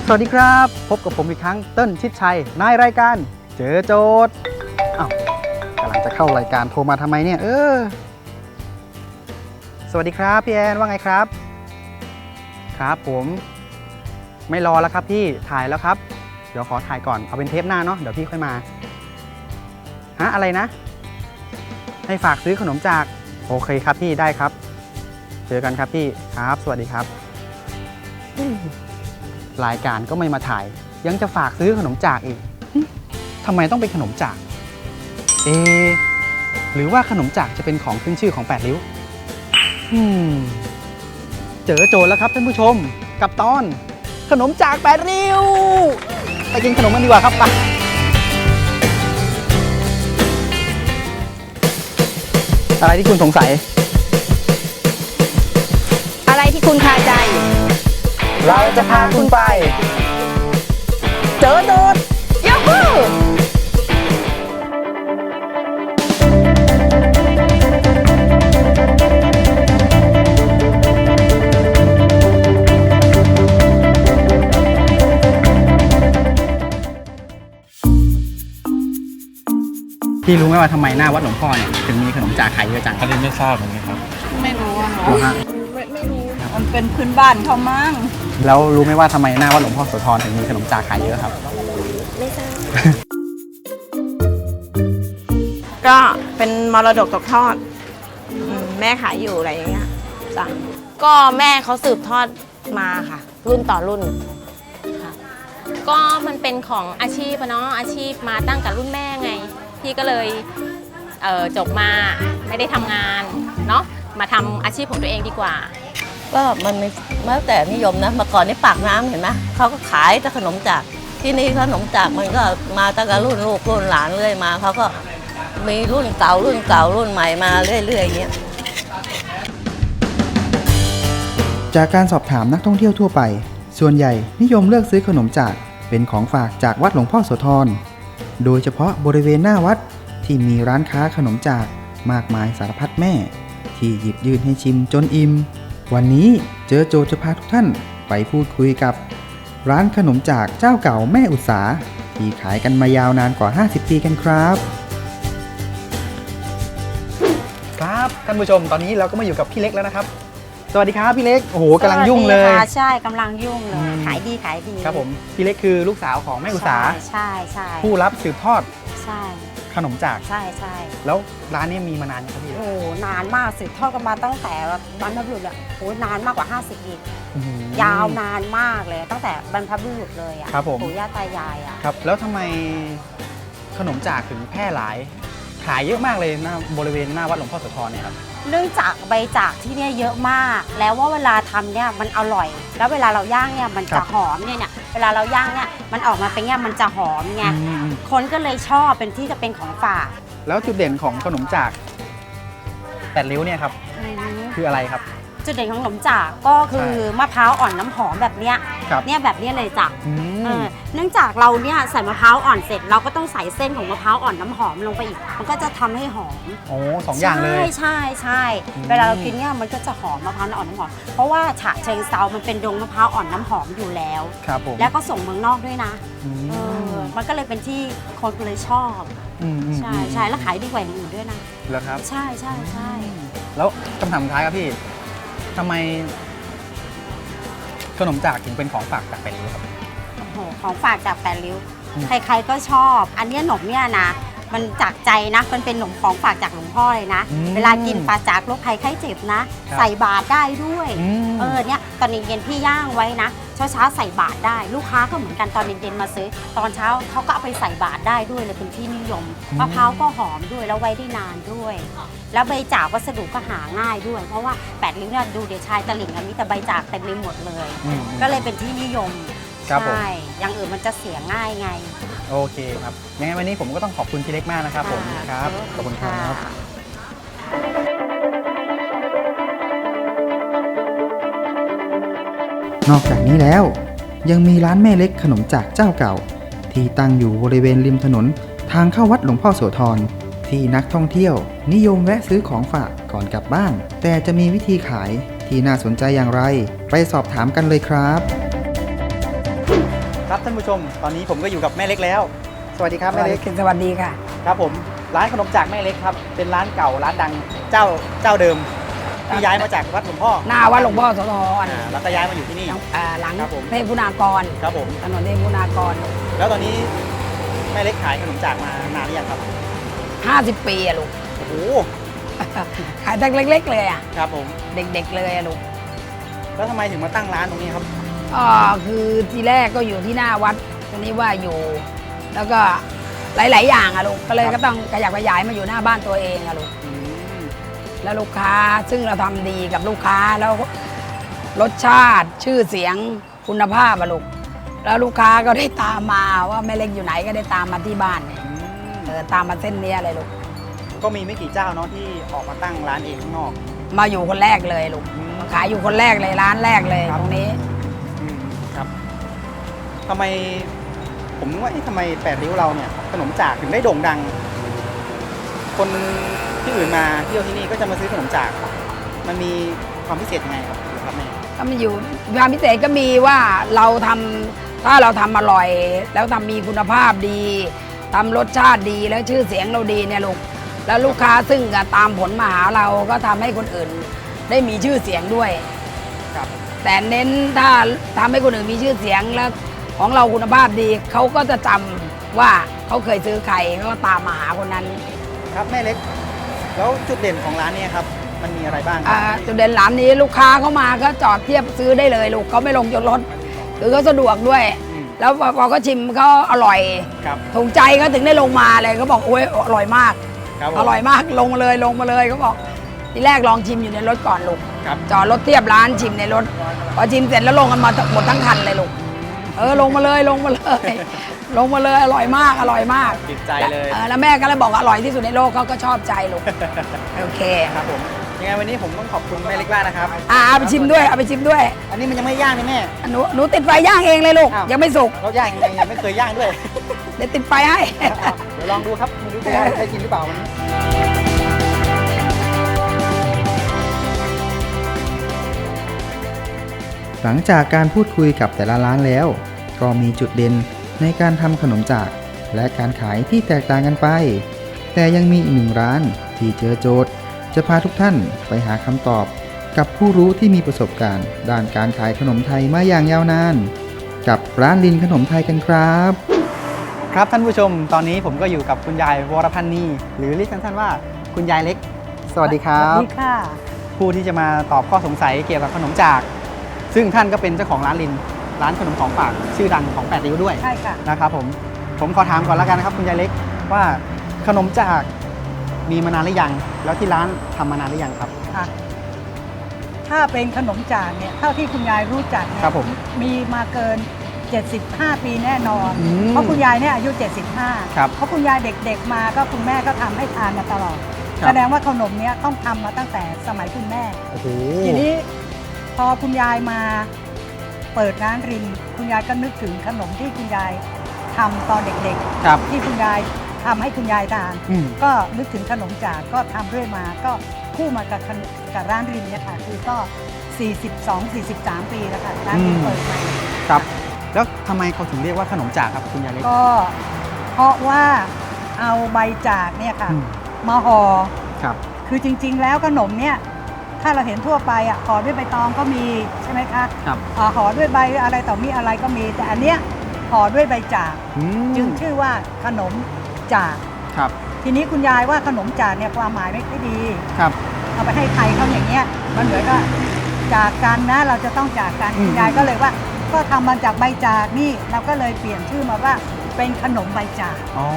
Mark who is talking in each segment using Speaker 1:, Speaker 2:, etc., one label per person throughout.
Speaker 1: สวัสดีครับพบกับผมอีกครั้งเติ้ลชิดชัยในรายการเจอโจทย์อ้าวกำลังจะเข้ารายการโทรมาทำไมเนี่ยสวัสดีครับพี่แอนว่าไงครับครับผมไม่รอแล้วครับพี่ถ่ายแล้วครับเดี๋ยวขอถ่ายก่อนเอาเป็นเทปหน้าเนาะเดี๋ยวพี่ค่อยมาอะไรนะให้ฝากซื้อขนมจากโอเคครับพี่ได้ครับเจอกันครับพี่ครับสวัสดีครับรายการก็ไม่มาถ่ายยังจะฝากซื้อขนมจากอีกทำไมต้องเป็นขนมจากหรือว่าขนมจากจะเป็นของขึ้นชื่อของ8ริ้วเจอโจทย์แล้วครับท่านผู้ชมกับตอนขนมจาก8ริ้วไปกินขนมกันดีกว่าครับไปอะไรที่คุณสงสัย
Speaker 2: อะไรที่คุณคาใจ
Speaker 1: เราจะพาคุณไป
Speaker 2: เจอโดดยูฮู
Speaker 1: พี่รู้ไหมว่าทำไมหน้าวัดหลวงพ่อเนี่ยถึงมีขนมจากขายเยอะจัง
Speaker 3: อันนี้ไม่ทราบเหมือนกันครับ
Speaker 2: ไม่รู้อะ
Speaker 1: ฮะ
Speaker 2: ไม่รู้มันเป็นพื้นบ้านเขามั้ง
Speaker 1: แล้วรู้ไหมว่าทำไมหน้าวัดหลวงพ่อโสธรถึงมีขนมจากขายเยอะครับ
Speaker 2: ไม่ทราบก็เป็นมรดกตกทอดแม่ขายอยู่อะไรอย่างเงี้ยจ้ะ
Speaker 4: ก็แม่เขาสืบทอดมาค่ะรุ่นต่อรุ่นค่ะก็มันเป็นของอาชีพเนาะอาชีพมาตั้งแต่รุ่นแม่ไงพี่ก็เลยจบมาไม่ได้ทำงานเนาะมาทำอาชีพของตัวเองดีกว่า
Speaker 5: ก็มันไม่แล้วแต่นิยมนะเมื่อก่อนนี่ปากน้ำเห็นไหมเขาก็ขายแต่ขนมจากที่นี่ขนมจากมันก็มาตั้งแต่รุ่นลูกรุ่นหลานเรื่อยมาเขาก็มีรุ่นเก่ารุ่นใหม่มาเรื่อยๆอย่างเงี้ย
Speaker 1: จากการสอบถามนักท่องเที่ยวทั่วไปส่วนใหญ่นิยมเลือกซื้อขนมจากเป็นของฝากจากวัดหลวงพ่อโสธรโดยเฉพาะบริเวณหน้าวัดที่มีร้านค้าขนมจากมากมายสารพัดแม่ที่หยิบยื่นให้ชิมจนอิ่มวันนี้เจอโจจะพาทุกท่านไปพูดคุยกับร้านขนมจากเจ้าเก่าแม่อุตสาที่ขายกันมายาวนานกว่า50ปีกันครับครับท่านผู้ชมตอนนี้เราก็มาอยู่กับพี่เล็กแล้วนะครับสวัสดีครับพี่เล็กโอ้โหกำลังยุ่งเลย
Speaker 2: ใช่กำลังยุ่งเลยขายดี
Speaker 1: ครับผมพี่เล็กคือลูกสาวของแม่อุตสา
Speaker 2: ใช่
Speaker 1: ผู้รับสืบทอด
Speaker 2: ใช่
Speaker 1: ขนมจาก
Speaker 2: ใช่
Speaker 1: แล้วร้านนี้มีมานานยังครับพี่
Speaker 2: โอ้นานมากสืบทอดกันมาตั้งแต่บรรพบุรุษอ่ะโอ้นานมากกว่า50ปียาวนานมากเลยตั้งแต่บรรพบุรุษเลยอ่ะปู่ย่าตายายอ่ะ
Speaker 1: ครับแล้วทำไมขนมจากถึงแพร่หลายขายเยอะมากเลยหน้าบริเวณหน้าวัดหลวงพ่อโสธรเนี่ยครับ
Speaker 2: เนื่องจากใบจากที่เนี่ยเยอะมากแล้วว่าเวลาทำเนี่ยมันอร่อยแล้วเวลาเราย่างเนี่ยมันจะหอมเนี่ยเวลาเราย่างเนี่ยมันออกมาเป็นเนี่ยมันจะหอมไงคนก็เลยชอบเป็นที่จะเป็นของฝาก
Speaker 1: แล้วจุดเด่นของขนมจาก8ริ้วเนี่ยครับคืออะไรครับ
Speaker 2: จุดเด่นของขนมจากก็คือมะพร้าวอ่อนน้ำหอมแบบเนี้ยเนี่ยแบบนี้เลยจ้ะเนื่องจากเราเนี่ยใส่มะพร้าวอ่อนเสร็จเราก็ต้องใส่เส้นของมะพร้าวอ่อนน้ำหอมลงไปอีกมันก็จะทำให้หอม
Speaker 1: โอ้2อย่างเลย
Speaker 2: ใช่เวลาเรากินเนี่ยมันก็จะหอมมะพร้าวอ่อนน้ำหอมเพราะว่าฉะเชิงเซามันเป็นดงมะพร้าวอ่อนน้ำหอมอยู่แล้ว
Speaker 1: ครับผม
Speaker 2: แล้วก็ส่งเมืองนอกด้วยนะมันก็เลยเป็นที่คนเลยชอบใช่แล้วขายดีกว่าอย่างอื่นด้วยนะ
Speaker 1: เหรอครับ
Speaker 2: ใช่
Speaker 1: แล้วคำถามสุดท้ายครับพี่ทำไมขนมจากถึงเป็นของฝากจาก8ริ้วครับ
Speaker 2: โอ้โหของฝากจาก8ริ้วใครๆก็ชอบอันนี้ขนมเนี่ยนะมันจากใจนะมันเป็นขนมของฝากจากหลวงพ่อเลยนะเวลากินปลาจากโรคภัยไข้เจ็บนะใส่บาตรได้ด้วยเนี่ยตอนเย็นๆพี่ย่างไว้นะเช้าใส่บาตรได้ลูกค้าก็เหมือนกันตอนเย็นๆมาซื้อตอนเช้าเขาก็เอาไปใส่บาตรได้ด้วยเลยเป็นที่นิยมมะพร้าวก็หอมด้วยแล้วไว้ได้นานด้วยแล้วใบจากวัสดุก็หาง่ายด้วยเพราะว่า8ริ้วเนี่ยดูเดี๋ยวชายตลิ่งมีแต่ใบจากเต็มไปหมดเลยก็เลยเป็นที่นิยมใช่อย่างอื่นมันจะเสียง่ายไง
Speaker 1: โอเคครับยังไงวันนี้ผมก็ต้องขอบคุณพี่เล็กมากนะครับผมครับขอบคุณครับนอกจากนี้แล้วยังมีร้านแม่เล็กขนมจากเจ้าเก่าที่ตั้งอยู่บริเวณริมถนนทางเข้าวัดหลวงพ่อโสธรที่นักท่องเที่ยวนิยมแวะซื้อของฝากก่อนกลับบ้านแต่จะมีวิธีขายที่น่าสนใจอย่างไรไปสอบถามกันเลยครับครับท่านผู้ชมตอนนี้ผมก็อยู่กับแม่เล็กแล้ว สวัสดีครับแม่เล็ก
Speaker 3: สวัสดีค่ะ
Speaker 1: ครับผมร้านขนมจากแม่เล็กครับเป็นร้านเก่าร้านดังเจ้าเดิมที่ย้ายมาจากวัดหลวงพ่อ
Speaker 3: หน้าวัดหลวงพ่อโสธร
Speaker 1: แล้วก็ย้ายมาอยู่ที่นี่
Speaker 3: หลัง
Speaker 1: ครับผม
Speaker 3: เทพคุณากร
Speaker 1: ครับผม
Speaker 3: ถนนเทพคุณากร
Speaker 1: แล้วตอนนี้แม่เล็กขายขนมจากมานานหรือยังครับ
Speaker 3: 50 ปีอะลูก
Speaker 1: โอ้โห
Speaker 3: ขายตั้งเล็กๆเลยอะ
Speaker 1: ครับผม
Speaker 3: เด็กๆเลยอะลูก
Speaker 1: แล้วทำไมถึงมาตั้งร้านตรงนี้ครับ
Speaker 3: คือทีแรกก็อยู่ที่หน้าวัดตอนนี้ว่าอยู่ แล้วก็หลายๆอย่างอะลูกก็เลย
Speaker 1: ครับ
Speaker 3: ก็ต้องขยับขยายมาอยู่หน้าบ้านตัวเองอะลูก
Speaker 1: อืม
Speaker 3: แล้วลูกค้าซึ่งเราทำดีกับลูกค้าแล้วรสชาติชื่อเสียงคุณภาพอะลูกแล้วลูกค้าก็ได้ตามมาว่าแม่เล็กอยู่ไหนก็ได้ตามมาที่บ้านเนี่ย ตามมาเส้นเนี้ยเลยลูก
Speaker 1: ก็มีไม่กี่เจ้าเนาะที่ออกมาตั้งร้านเองข้างนอก
Speaker 3: มาอยู่คนแรกเลยลูก
Speaker 1: อืม
Speaker 3: ขายอยู่คนแรกเลยร้านแรกเลย
Speaker 1: ครับ
Speaker 3: ตรงนี้
Speaker 1: ครับทำไมผมว่าทำไม8 ริ้วเราเนี่ยขนมจากถึงได้โด่งดัง คนที่อื่นมาเที่ยวที่นี่ก็จะมาซื้อขนมจาก มันมีความพิเศษยังไงครับแม่
Speaker 3: ก็มาอยู่ความพิเศษก็มีว่าเราทำถ้าเราทำอร่อย แล้วทำมีคุณภาพดีทำรสชาติดีแล้วชื่อเสียงเราดีเนี่ยลูกแล้วลูกค้าซึ่งตามผลมาหาเราก็ทำให้คนอื่นได้มีชื่อเสียงด้วย
Speaker 1: ครับ
Speaker 3: แต่เน้นถ้าทำให้คนอื่นมีชื่อเสียงแล้วของเราคุณภาพดีเขาก็จะจำว่าเขาเคยซื้อใครเขาก็ตามมาหาคนนั้น
Speaker 1: ครับแม่เล็ก แล้วจุดเด่นของร้านเนี่ยครับ มันมีอะไรบ้างค
Speaker 3: จุดเด่นร้านนี้ลูกค้าเข้ามาก็จอดเทียบซื้อได้เลยลูกเขาไม่ลงจนรถคือเขาสะดวกด้วย
Speaker 1: อืม
Speaker 3: แล้วพอเขาชิมเขาอร่อย
Speaker 1: ครับ
Speaker 3: ถูกใจเขาถึงได้ลงมาเลยเขาบอกโอ้ยอร่อยมาก
Speaker 1: ครับผม
Speaker 3: อร่อยมากลงมาเลยเขาบอกทีแรกลองชิมอยู่ในรถก่อนลูก
Speaker 1: ครับ
Speaker 3: จอดรถเทียบร้านชิมในรถพอชิมเสร็จแล้วลงกันมาหมดทั้งคันเลยลูกลงมาเลยลงมาเลยอร่อยมาก
Speaker 1: ติดใจเลย
Speaker 3: แล้วแม่ก็เลยบอกว่าอร่อยที่สุดในโลกเขาก็ชอบใจลูก โอเค
Speaker 1: ครับผมยังไงวันนี้ผมต้องขอบคุณแม่เล็กมากนะครับ
Speaker 3: เอาไปชิมด้วยเอาไปชิมด้วย
Speaker 1: อันนี้มันยังไม่ย่างนี่แม่
Speaker 3: หนูติดไฟย่างเองเลยลูก
Speaker 1: อ้าว
Speaker 3: ยังไม่สุก
Speaker 1: เราย่างยังไม่เคยย่างด้วย
Speaker 3: เดี๋ยวติดไฟให้
Speaker 1: เดี๋ยวลองดูครับไม่รู้จะได้กินหรือเปล่าวันนี้ หลังจากการพูดคุยกับแต่ละร้านแล้ว ก็มีจุดเด่นในการทำขนมจากและการขายที่แตกต่างกันไป แต่ยังมีอีกหนึ่งร้านที่เจอโจทย์ จะพาทุกท่านไปหาคำตอบกับผู้รู้ที่มีประสบการณ์ ด้านการขายขนมไทยมาอย่างยาวนาน กับร้านลินขนมไทยกันครับ ครับท่านผู้ชมตอนนี้ผมก็อยู่กับคุณยายวรพันธ์นีหรือเรียกสั้นๆว่าคุณยายเล็ก สวัสดีครับ
Speaker 3: สวัสดีค่ะ
Speaker 1: ผู้ที่จะมาตอบข้อสงสัยเกี่ยวกับขนมจาก ซึ่งท่านก็เป็นเจ้าของร้านลิน ร้านขนมของฝากชื่อดังของ8 ริ้วด้วย
Speaker 3: ใช่ค่ะ
Speaker 1: นะครับผมขอถามก่อนแล้วกันนะครับคุณยายเล็กว่าขนมจากมีมานานหรือยัง แล้วที่ร้านทำมานานหรือยังครับ
Speaker 6: ค่ะถ้าเป็นขนมจากเนี่ยเท่าที่คุณยายรู้จักเนี่ย
Speaker 1: ครับผม
Speaker 6: มีมาเกิน 75 ปีแน่นอน
Speaker 1: อืม
Speaker 6: เพราะคุณยายเนี่ยอายุ
Speaker 1: ครับ
Speaker 6: 75 เพราะคุณยายเด็กๆมาก็คุณแม่ก็ทำให้ทานมาตลอด
Speaker 1: ครับ
Speaker 6: แสดงว่าขนมเนี้ยต้องทำมาตั้งแต่สมัยคุณแม่
Speaker 1: โอ้โห
Speaker 6: ทีนี้พอคุณยายมาเปิดร้านริน คุณยายก็นึกถึงขนมที่คุณยายทำตอนเด็ก
Speaker 1: ครับ
Speaker 6: ๆ ที่คุณยายทำให้คุณยายทาน
Speaker 1: อืม
Speaker 6: ก็นึกถึงขนมจากก็ทำเรื่อยมาก็คู่มากับร้านรินเนี่ยค่ะคือก็ 42-43 ปีแล้วค่ะร้านรินเปิดมา
Speaker 1: ครับ แล้วทำไมเขาถึงเรียกว่าขนมจากครับคุณยายเล็ก
Speaker 6: ก็เพราะว่าเอาใบจากเนี่ยค่ะ
Speaker 1: อืม
Speaker 6: มาห่อ
Speaker 1: ครับ
Speaker 6: คือจริงๆ แล้วขนมเนี่ยถ้าเราเห็นทั่วไปอ่ะห่อด้วยใบตองก็มีใช่ไหมคะ
Speaker 1: ครับ
Speaker 6: ห่อด้วยใบอะไรต่อมีอะไรก็มี แต่อันเนี้ยห่อด้วยใบจาก
Speaker 1: อืม
Speaker 6: จึงชื่อว่าขนมจาก
Speaker 1: ครับ
Speaker 6: ทีนี้คุณยายว่าขนมจากเนี่ยความหมายไม่ค่อยดี
Speaker 1: ครับ
Speaker 6: เอาไปให้ใครเขาอย่างเงี้ยมันเหมือนก็จากกันนะเราจะต้องจากกัน
Speaker 1: อืม
Speaker 6: คุณยายก็เลยว่าก็ทำมาจากใบจากนี่เราก็เลยเปลี่ยนชื่อมาว่าเป็นขนมใบจาก
Speaker 1: อ๋อ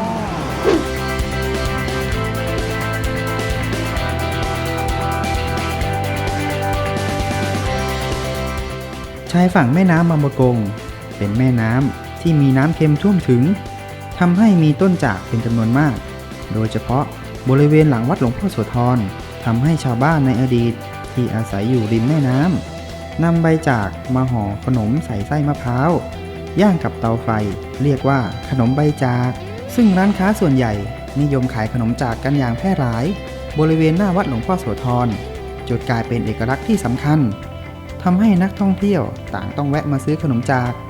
Speaker 1: ชายฝั่งแม่น้ำบางประกง เป็นแม่น้ำที่มีน้ำเค็มท่วมถึงทำให้มีต้นจากเป็นจำนวนมาก โดยเฉพาะบริเวณหลังวัดหลวงพ่อโสธรทำให้ชาวบ้านในอดีตที่อาศัยอยู่ริมแม่น้ำนำใบจากมาห่อขนมใส่ไส้มะพร้าวย่างกับเตาไฟเรียกว่าขนมใบจาก ซึ่งร้านค้าส่วนใหญ่นิยมขายขนมจากกันอย่างแพร่หลาย บริเวณหน้าวัดหลวงพ่อโสธรจนกลายเป็นเอกลักษณ์ที่สำคัญทำให้นักท่องเที่ยวต่างต้องแวะมาซื้อขนมจาก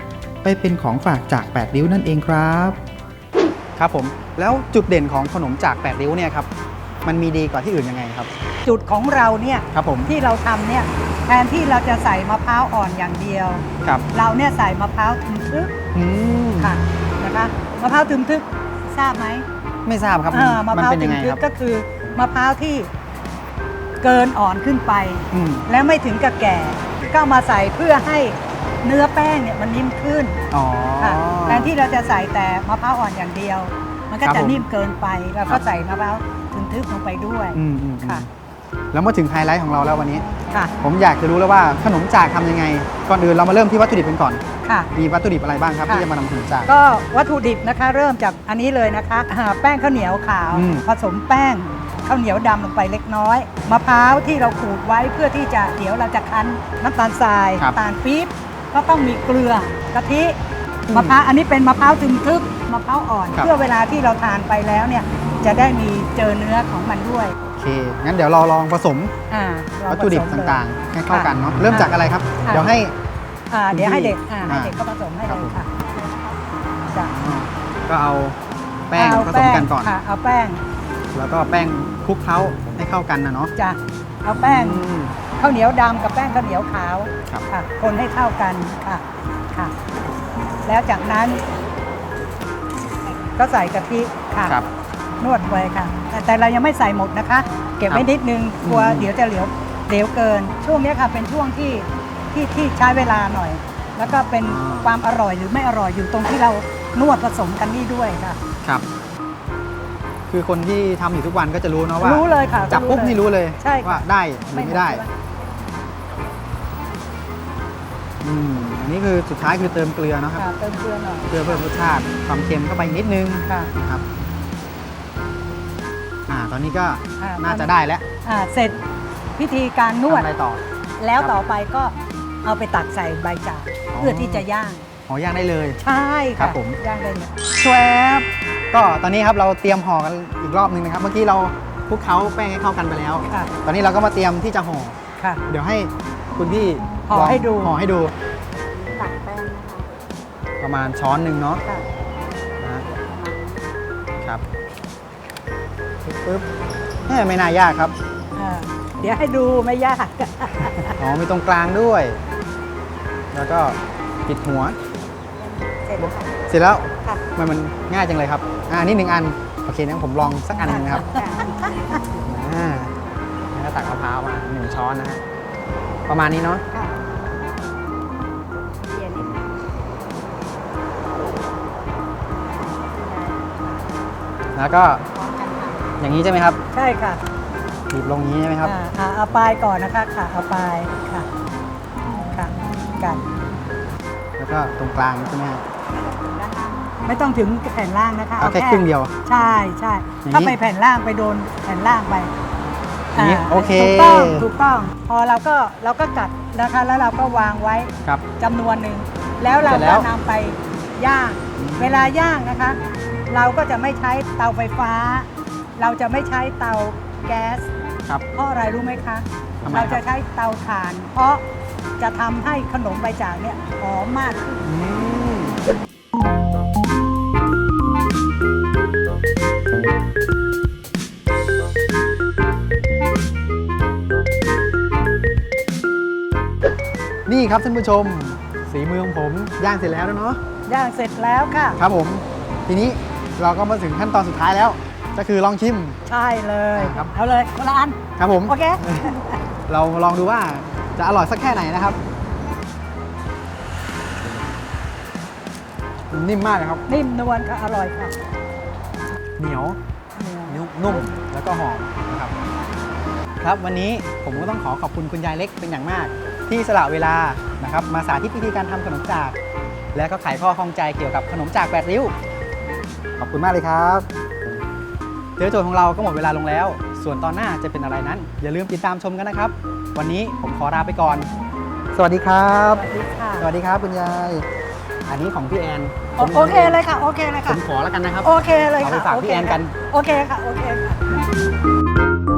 Speaker 1: ไปเป็นของฝากจาก8ริ้วนั่นเองครับครับผมแล้วจุดเด่นของขนมจาก8ริ้วเนี่ยครับมันมีดีกว่าที่อื่นยังไงครับ
Speaker 6: จุดของเราเนี่ย
Speaker 1: ครับผม
Speaker 6: ที่เราทำเนี่ยแทนที่เราจะใส่มะพร้าวอ่อนอย่างเดียว
Speaker 1: ครับ
Speaker 6: เราเนี่ยใส่มะพร้าวทึมทึก
Speaker 1: อืม
Speaker 6: ค่ะนะคะมะพร้าวทึมทึกทราบไหม
Speaker 1: ไม่ทราบครับ
Speaker 6: มะ
Speaker 1: มัน
Speaker 6: พร้าว
Speaker 1: เป็น
Speaker 6: ทึ
Speaker 1: ยัง
Speaker 6: ม
Speaker 1: ไง
Speaker 6: ทึ
Speaker 1: ค
Speaker 6: ก
Speaker 1: รับ
Speaker 6: ก็คือมะพร้าวที่เกินอ่อนขึ้นไป
Speaker 1: อืม
Speaker 6: และไม่ถึงกับแก่ก็เอามาใส่เพื่อให้เนื้อแป้งเนี่ยมันนิ่มขึ้น
Speaker 1: อ๋อ
Speaker 6: ค่ะแทนที่เราจะใส่แต่มะพร้าวอ่อนอย่างเดียว มันก็
Speaker 1: ครับ
Speaker 6: จะ
Speaker 1: ผม
Speaker 6: นิ่มเกินไปเรา
Speaker 1: ครั
Speaker 6: ก็
Speaker 1: บ
Speaker 6: ใส่มะพร้าวทึบๆลงไปด้วย
Speaker 1: อืมอืม
Speaker 6: ค่ะ
Speaker 1: แล้วมาถึงไฮไลท์ของเราแล้ววันนี้
Speaker 6: ค่ะ
Speaker 1: ผมอยากจะรู้แล้วว่าขนมจากทำยังไง ก่อนอื่นเรามาเริ่มที่วัตถุดิบกันก่อน
Speaker 6: ค่ะ
Speaker 1: มีวัตถุดิบอะไรบ้างครับ
Speaker 6: ค่ะ
Speaker 1: ที่จะมานำขนมจาก
Speaker 6: ก็วัตถุดิบนะคะเริ่มจากอันนี้เลยนะคะแป้งข้าวเหนียวขาว
Speaker 1: อืม
Speaker 6: ผสมแป้งข้าวเหนียวดำลงไปเล็กน้อยมะพร้าวที่เราขูดไว้เพื่อที่จะเดี๋ยวเราจะคั้นน้ำตาลทราย
Speaker 1: ครับ
Speaker 6: น้ำตาลปี๊บก็ต้องมีเกลือกะทิ
Speaker 1: อืม
Speaker 6: มะพร้าวอันนี้เป็นมะพร้าวทึบๆมะพร้าวอ่อน
Speaker 1: ครับ
Speaker 6: เพื่อเวลาที่เราทานไปแล้วเนี่ยจะได้มีเจอเนื้อของมันด้วย
Speaker 1: โอเค งั้นเดี๋ยวเราลองผสม
Speaker 6: เรา
Speaker 1: วัตถุดิบ
Speaker 6: ผสมเลย
Speaker 1: ต่างๆ ให้เข้ากันเนาะ
Speaker 6: ค่ะ
Speaker 1: เริ่มจากอะไรครับ
Speaker 6: ค่ะ
Speaker 1: เดี๋ยวให้
Speaker 6: เดี๋ยวให้เด็ก
Speaker 1: คุณพี่
Speaker 6: ให้เด็กก็ผสมให้
Speaker 1: ครั
Speaker 6: เล
Speaker 1: บ
Speaker 6: ยค่ะจ้ะ
Speaker 1: ก็เอาแป้ง
Speaker 6: เอา
Speaker 1: ผสมกันก่อน
Speaker 6: ค่ะเอาแป้ง
Speaker 1: แล้วก็แป้งคลุกเคล้าให้เข้ากันนะเนาะ
Speaker 6: จ้ะเอาแป้ง
Speaker 1: อืม
Speaker 6: ข้าวเหนียวดำกับแป้งข้าวเหนียวขาว
Speaker 1: ครับ
Speaker 6: ค่ะ คนให้เข้ากันค่ะค่ะ แล้วจากนั้น ก็ใส่กะทิค่ะ
Speaker 1: ครับ
Speaker 6: นวดไว้ค่ะ แต่เรายังไม่ใส่หมดนะคะ เก็บไว้นิดนึงกลัว
Speaker 1: อืม
Speaker 6: เดี๋ยวจะเหลวเกิน ช่วงนี้ค่ะเป็นช่วงที่ใช้เวลาหน่อย แล้วก็เป็นความอร่อยหรือไม่อร่อยอยู่ตรงที่เรานวดผสมกันนี่ด้วยค่ะ
Speaker 1: ครับ คือคนที่ทำอยู่ทุกวันก็จะรู้เนาะว่า
Speaker 6: รู้เลยค่ะ
Speaker 1: จับปุ๊บนี่รู้เลย
Speaker 6: ใช่ค่ะ
Speaker 1: ว่าได้หรือไม่ได้ อันนี้คือสุดท้ายคือเติมเกลือเนาะครับ
Speaker 6: ค่ะเติมเกลือหน่อย
Speaker 1: เพื่อเพิ่มรสชาติความเค็มเข้าไปนิดนึง
Speaker 6: ค่ะ
Speaker 1: นะครับ ตอนนี้ก็
Speaker 6: อ่า
Speaker 1: น่าจะได้แล้ว
Speaker 6: เสร็จพิธีการนวด
Speaker 1: ทำอะไรต่อ
Speaker 6: แล้วต่อไปก็เอาไปตักใส่ใบจาก
Speaker 1: อ๋อ
Speaker 6: เพื่อที่จะย่าง
Speaker 1: ย่างได้เลย
Speaker 6: ใช่
Speaker 1: ครั
Speaker 6: ค่ะ
Speaker 1: บผม
Speaker 6: ย่างได้เลย
Speaker 1: ชวบก็ตอนนี้ครับเราเตรียมห่อกันอีกรอบหนึงนะครับ เมื่อกี้เราคลุกเคล้าแป้งให้เข้ากันไปแล้ว
Speaker 6: ค่ะ
Speaker 1: ตอนนี้เราก็มาเตรียมที่จะห่อ
Speaker 6: ค่ะ
Speaker 1: เดี๋ยวให้คุณพี่
Speaker 6: ห่อ
Speaker 1: ลง
Speaker 6: ให้ดู
Speaker 1: ห่อให้ดู
Speaker 2: ตักแป้งนะคะ
Speaker 1: ประมาณช้อนหนึ่งเนาะ
Speaker 6: ค่ะ
Speaker 1: นะครับปึ๊บไม่น่ายากครับ
Speaker 6: เดี๋ยวให้ดูไม่ยาก
Speaker 1: อ๋อมีตรงกลางด้วย แล้วก็ปิดหัว
Speaker 6: เสร็จแล้วค่ะ
Speaker 1: เสร็จแล้ว
Speaker 6: ค่ะ
Speaker 1: มันง่ายจังเลยครับนี่หนึ่งอัน โอเคงั้นผมลองสักอันหนึงนะครับแล้วก็ตักมะพร้าวมา1 ช้อนนะฮะประมาณนี้เนาะ
Speaker 6: ค่ะเย็นนิดนึง
Speaker 1: แล้วก็
Speaker 2: พร้อมกันค่ะ
Speaker 1: อย่างนี้ใช่ไหมครับ
Speaker 6: ใช่ค่ะ
Speaker 1: บีบลงอย่างนี้ใช่ไหมครับ
Speaker 6: เอาปลายก่อนนะคะค่ะเอาปลายค่ะค่ะกัน
Speaker 1: แล้วก็ตรงกลางใช่ไหมครับ
Speaker 6: ไม่ต้องถึงแผ่นล่างนะคะ
Speaker 1: เอาแค่ครึ่งเดียว
Speaker 6: ใช่ใช่
Speaker 1: อย่างนี้
Speaker 6: ถ้าไปแผ่นล่างไปโดนแผ่นล่างไป
Speaker 1: อย่างนี้โอเค
Speaker 6: ถูกต้องพอเราก็กัดนะคะแล้วเราก็วางไว้
Speaker 1: ครับ
Speaker 6: จำนวนหนึ่งแล้วเรา
Speaker 1: เสร็จแล้
Speaker 6: ก็
Speaker 1: วน
Speaker 6: ำไปย่าง เวลาย่างนะคะ เราก็จะไม่ใช้เตาไฟฟ้า เราจะไม่ใช้เตาแก๊ส
Speaker 1: ครับ
Speaker 6: เพราะอะไรรู้ไหมคะ
Speaker 1: ทำไม
Speaker 6: เรา
Speaker 1: ครั
Speaker 6: จะ
Speaker 1: บ
Speaker 6: ใช้เตาถ่าน เพราะจะทำให้ขนมใบจากเนี่ยหอมมากขึ้น
Speaker 1: อืมนี่ครับท่านผู้ชมสีมือของผมย่างเสร็จแล้วเนาะ
Speaker 6: ย่างเสร็จแล้วค่ะ
Speaker 1: ครับผม ทีนี้เราก็มาถึงขั้นตอนสุดท้ายแล้ว ก็คือลองชิม
Speaker 6: ใช่เลย
Speaker 1: ครับ
Speaker 6: เอาเลยคนละอัน
Speaker 1: ครับผม
Speaker 6: โอเค
Speaker 1: เราลองดูว่าจะอร่อยสักแค่ไหนนะครับ นิ่มมากเลยครับ
Speaker 6: นิ่มนวลค่ะ อร่อยค่ะ
Speaker 1: เหนียว นุ่มแล้วก็หอมนะครับ ครับวันนี้ผมก็ต้องขอบคุณคุณยายเล็กเป็นอย่างมาก ที่สละเวลานะครับมาสาธิตวิธีการทำขนมจาก และก็ไขข้อข้องใจเกี่ยวกับขนมจาก8 ริ้ว ขอบคุณมากเลยครับเดี๋ยวโจทย์ของเราก็หมดเวลาลงแล้ว ส่วนตอนหน้าจะเป็นอะไรนั้น อย่าลืมติดตามชมกันนะครับ วันนี้ผมขอลาไปก่อน สวัสดีครับ
Speaker 6: สวัสดีค่ะ
Speaker 1: สวัสดีครับคุณยาย อันนี้ของพี่แอน
Speaker 6: โอเคเลยค่ะ โอเคเลย
Speaker 1: ผ
Speaker 6: ค่ะ
Speaker 1: มขอแล้วกันนะครับ
Speaker 6: โอเคเลยค่ะ
Speaker 1: เอาไปฝากพี่แอนกัน
Speaker 6: โอเคค่ะ โอเคค่ะ